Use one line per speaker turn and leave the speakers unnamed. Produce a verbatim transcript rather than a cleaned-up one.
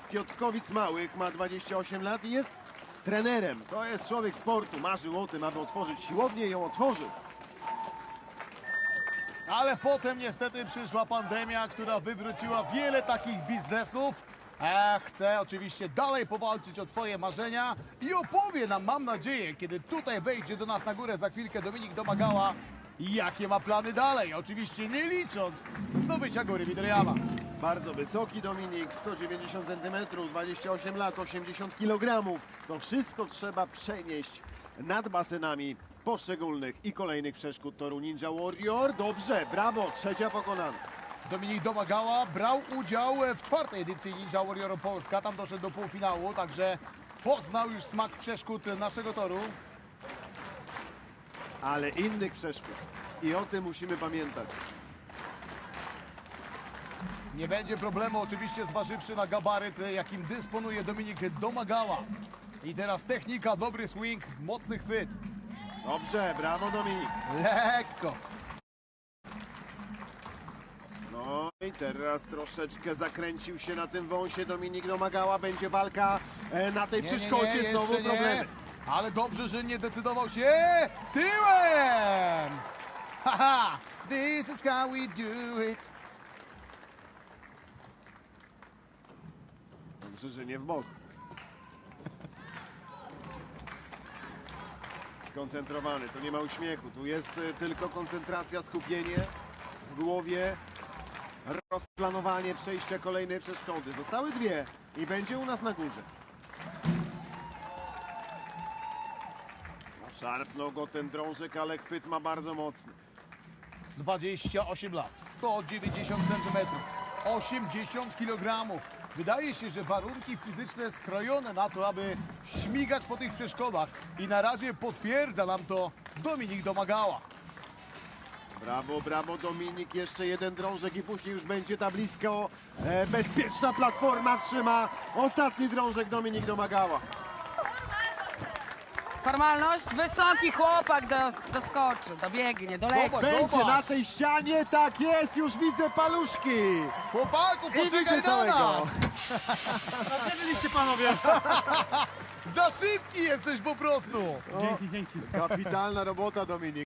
Fiotkowic Małych, ma dwadzieścia osiem lat i jest trenerem. To jest człowiek sportu, marzył o tym, aby otworzyć siłownię i ją otworzył.
Ale potem niestety przyszła pandemia, która wywróciła wiele takich biznesów. E, chce oczywiście dalej powalczyć o swoje marzenia i opowie nam, mam nadzieję, kiedy tutaj wejdzie do nas na górę za chwilkę Dominik Domagała, jakie ma plany dalej. Oczywiście nie licząc zdobycia góry Widryjama.
Bardzo wysoki Dominik, sto dziewięćdziesiąt centymetrów, dwadzieścia osiem lat, osiemdziesiąt kilogramów. To wszystko trzeba przenieść nad basenami poszczególnych i kolejnych przeszkód toru Ninja Warrior. Dobrze, brawo, trzecia pokonana.
Dominik Domagała brał udział w czwartej edycji Ninja Warrior Polska. Tam doszedł do półfinału, także poznał już smak przeszkód naszego toru.
Ale innych przeszkód. I o tym musimy pamiętać.
Nie będzie problemu oczywiście zważywszy na gabaryt, jakim dysponuje Dominik Domagała. I teraz technika, dobry swing, mocny chwyt.
Dobrze, brawo Dominik.
Lekko.
No i teraz troszeczkę zakręcił się na tym wąsie Dominik Domagała. Będzie walka e, na tej
Nie, nie,
przeszkodzie,
nie,
znowu
jeszcze
problemy.
nie. Ale dobrze, że nie decydował się tyłem. Haha, this is how we do it.
Dobrze, że nie w bok. Skoncentrowany, tu nie ma uśmiechu, tu jest e, tylko koncentracja, skupienie w głowie, rozplanowanie przejścia kolejnej przeszkody. Zostały dwie i będzie u nas na górze. No, szarpnął go ten drążek, ale chwyt ma bardzo mocny.
dwadzieścia osiem lat, sto dziewięćdziesiąt centymetrów, osiemdziesiąt kilogramów. Wydaje się, że warunki fizyczne skrojone na to, aby śmigać po tych przeszkodach. I na razie potwierdza nam to Dominik Domagała.
Brawo, brawo Dominik, jeszcze jeden drążek i później już będzie ta blisko e, bezpieczna platforma, trzyma ostatni drążek Dominik Domagała.
Formalność? Wysoki chłopak do, doskoczy, dobiegnie, doleci.
Zobacz,
Będzie
zobacz.
na tej ścianie, tak jest, już widzę paluszki.
Chłopaku,
I
poczekaj
widzę
na
całego.
nas!
Gdzie byliście panowie?
Za szybki jesteś po prostu!
Dzięki, dzięki.
Kapitalna robota Dominik.